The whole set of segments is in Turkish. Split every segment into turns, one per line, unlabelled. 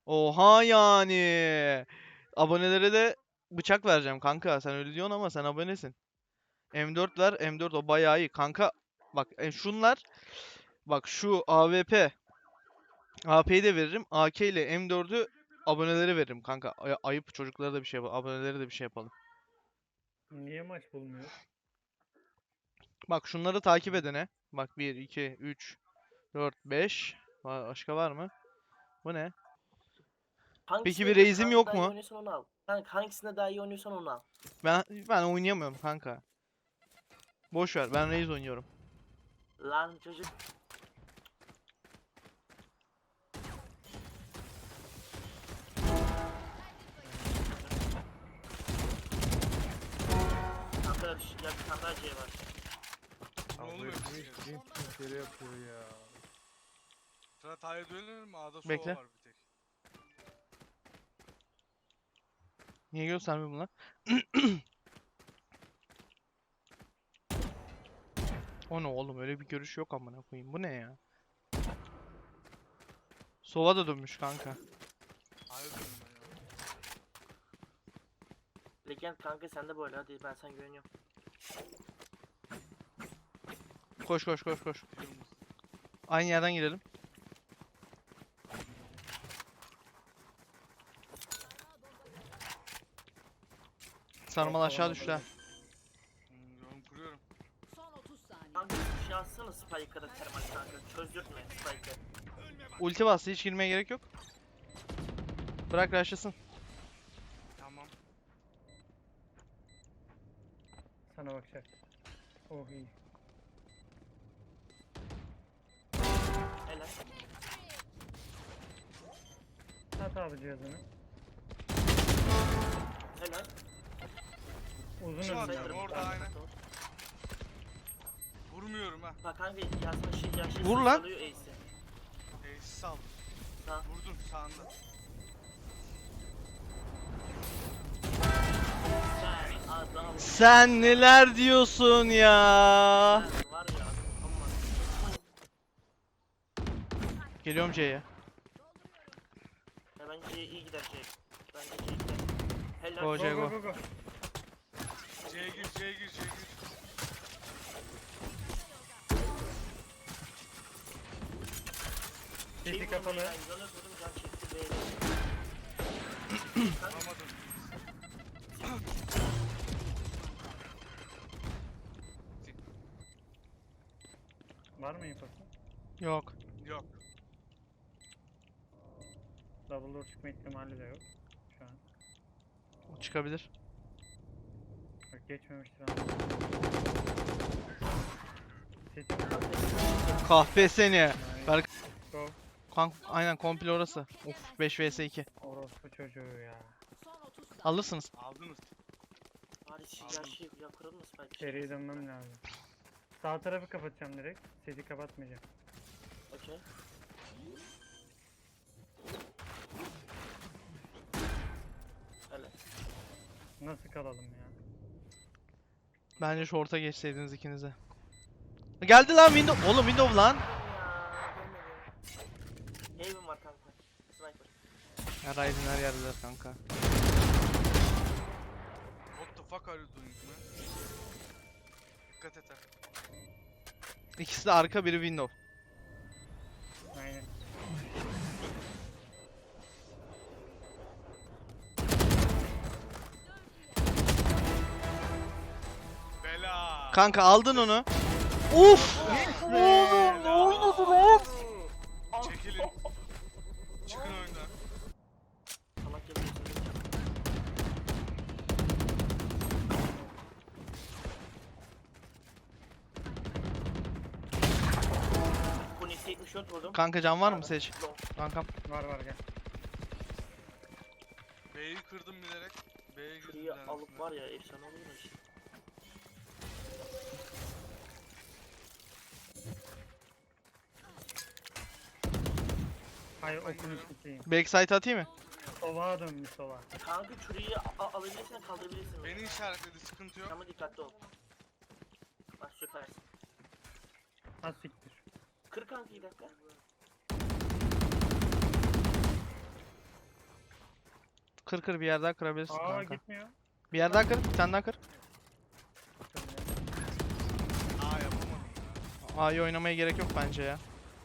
Oha yani. Abonelere de bıçak vereceğim kanka. Sen öyle diyorsun ama sen abonesin. M4 ver. M4 o bayağı iyi. Kanka bak şunlar. Bak şu AWP. AP'yi de veririm. AK ile M4'ü abonelere veririm kanka. Ayıp çocuklara da bir şey yapalım. Abonelere de bir şey yapalım.
Niye maç bulmuyor?
Bak şunları takip edene. Bak 1, 2, 3, 4, 5. Başka var mı? Bu ne? Peki
Hangisinde
bir
diyor
reizim
kanka
yok
daha iyi
mu?
oynuyorsan onu al. Kanka hangisinde daha iyi oynuyorsan onu al.
Ben oynayamıyorum kanka. Boş ver. Ben reis oynuyorum.
Lan çocuk. Kanka ya bir tane daha C var.
Ne oluyor
Abi
bizim ya?
kere yapıyor ya.
Fırat A'ya dönelim mi? A'da sova
Bekle.
var bir tek.
Niye göstermiyor bunlar? O ne oğlum öyle bir görüş yok amına koyayım. Bu ne ya? Sova da dönmüş kanka.
A'ya dönelim ben ya.
Legend kanka sen de böyle hadi ben sana güveniyorum.
Koş koş koş koş.
Biliyor musun?
Aynı yerden girelim. Sarmal aşağı düştü ha.
Yorum kuruyorum.
Son 30 saniye.
Kanka bir şey atsana Spike'a da termal kanka. Çözdürtme Spike'ı.
Ulti bastı hiç girmeye gerek yok. Bırak rushlasın.
Tamam.
Sana bakacak. Oh iyi.
Helal.
At abi cihazını.
Helal.
Uzun
Şu an
önüne.
Sayılır. Orada aynen. Vurmuyorum ha.
Bak kanka yazma şey ya şey
Vur lan.
salıyor Ace'i.
Ace sal.
Sağ.
Vurdun sağında.
Sen adam.
Sen neler diyorsun ya?
Sen var ya. Aman.
Geliyorum C'ye.
Ya bence iyi gider şey. Bence C gider. Helal.
Go, C, go.
Go.
C'ye gir, C'ye gir, C'ye gir.
Sesi kapalı.
Ben yola durdum can çekti B'ye.
Vuramadım.
Var mı infosu?
Yok.
Yok.
Double door çıkma ihtimali de yok. Şu an.
Çıkabilir.
Bak geçmemiştir ama. Sesi
Kahpe seni.
kapalı. Go.
Aynen komple orası. Of 5 vs 2.
Orospu çocuğu ya.
Son 30 saniye.
Alırsınız.
Aldınız.
Hadi ya şey ya kuralım mı Spike?
Seriye dönmem lazım. Sağ tarafı kapatacağım direkt. Sesi kapatmayacağım.
Okey. Helal.
Nasıl kalalım ya?
Bence short'a geçseydiniz ikinize. Geldi lan window. Oğlum window lan.
Ya görmedim. Haven var kanka. Sniper.
Ya Ryzen her yerdeler kanka.
What the fuck are you doing man? Dikkat et ha.
İkisi de arka biri window.
Aynen.
Bela.
Kanka aldın onu. Uf! Oğlum ne oynadı lan?
Çekilin. Çıkın oyundan.
Salak gibi geçirdim. Bu nesi 74 vurdum.
Kanka can var mı seç?
Long.
Kankam.
Var gel.
B'yi kırdım bilerek. B'ye girdim
Kıyı alıp var ya efsane olur mu işte.
Hayır okunu sikeyim.
Backside atayım mı?
Sova dönmüş sova.
Kanka çürüyü alabilirsen kaldırabilirsin.
Beni işaretledi, sıkıntı yok.
Ama dikkatli ol. Bak süpersin.
Az siktir.
Kır kanka 2 dakika.
Kır kır bir yer daha kırabilirsin
Aa
kanka.
gitmiyor.
Bir yer daha kır, bir tane daha kır.
Aa yapamadım ya.
A'yı oynamaya gerek yok bence ya.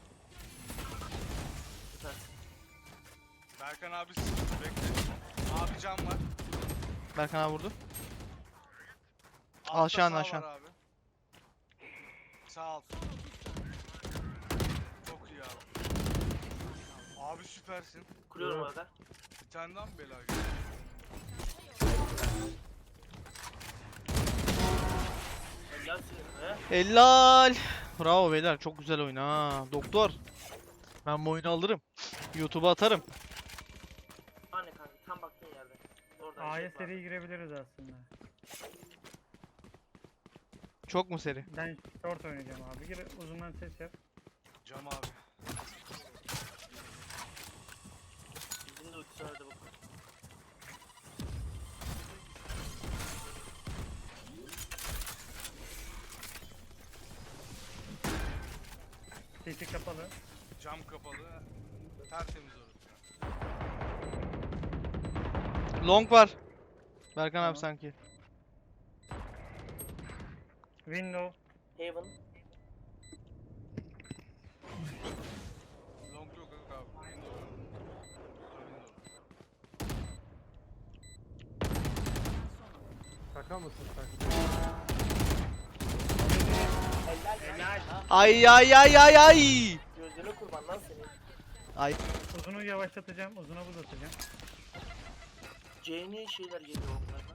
Süpersin.
Berkan abi sıkıntı bekle. Abi can var.
Berkan abi vurdu.
Altta
Aşağı,
sağ
aşağı.
var abi. Sağ alt. Çok iyi abi. Abi süpersin.
Kuruyorum orada.
Bir tane daha mı bela geldi?
Helal senin be.
Helal. Bravo beyler, çok güzel oyun ha. Doktor. Ben bu oyunu alırım. YouTube'a atarım.
Anne kanka tam baktığın yerde. Orada
A'ya
jet var.
seri girebiliriz aslında.
Çok mu seri?
Ben short oynayacağım abi. Gir uzundan ses yap.
Cam abi.
Bizim de ultisi vardı bu.
Sesi kapalı.
Cam kapalı. Tertemiz orası.
Long var. Berkan
Tamam.
abi sanki.
Window.
Haven.
Long yok abi. Window.
Şaka mısın sen?
Helal.
Ay ay ay ay ay.
Gözlerine kurban lan senin.
Ay.
Uzunu yavaşlatacağım. Uzuna buz atacağım.
C'ne şeyler geliyor onlardan.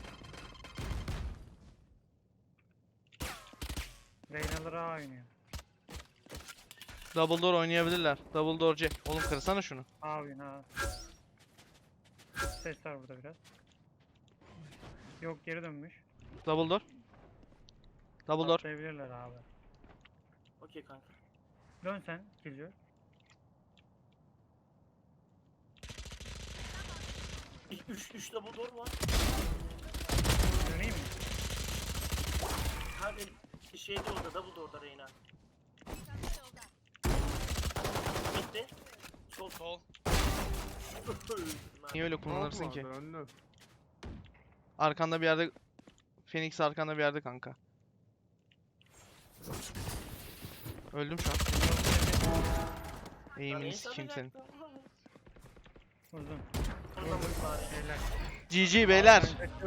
Reynalar A oynuyor.
Double door oynayabilirler. Double door C. Oğlum kırsana şunu.
A oyun A. Ses var burada biraz. Yok geri dönmüş.
Double door. Double door.
Atlayabilirler abi.
Okey kanka.
Dön sen Killjoy.
İlk 3 double door var.
Döneyim mi?
Abi şeyde orada double door'da Reyna. Bitti. Sol
Sol.
Niye öyle kullanırsın ki?
Önlü.
Arkanda bir yerde Phoenix arkanda bir yerde kanka. Öldüm şu an. Eğimini sikeyim senin.
Uzun.
Ondan bari.
Beyler.
GG beyler.
Abi,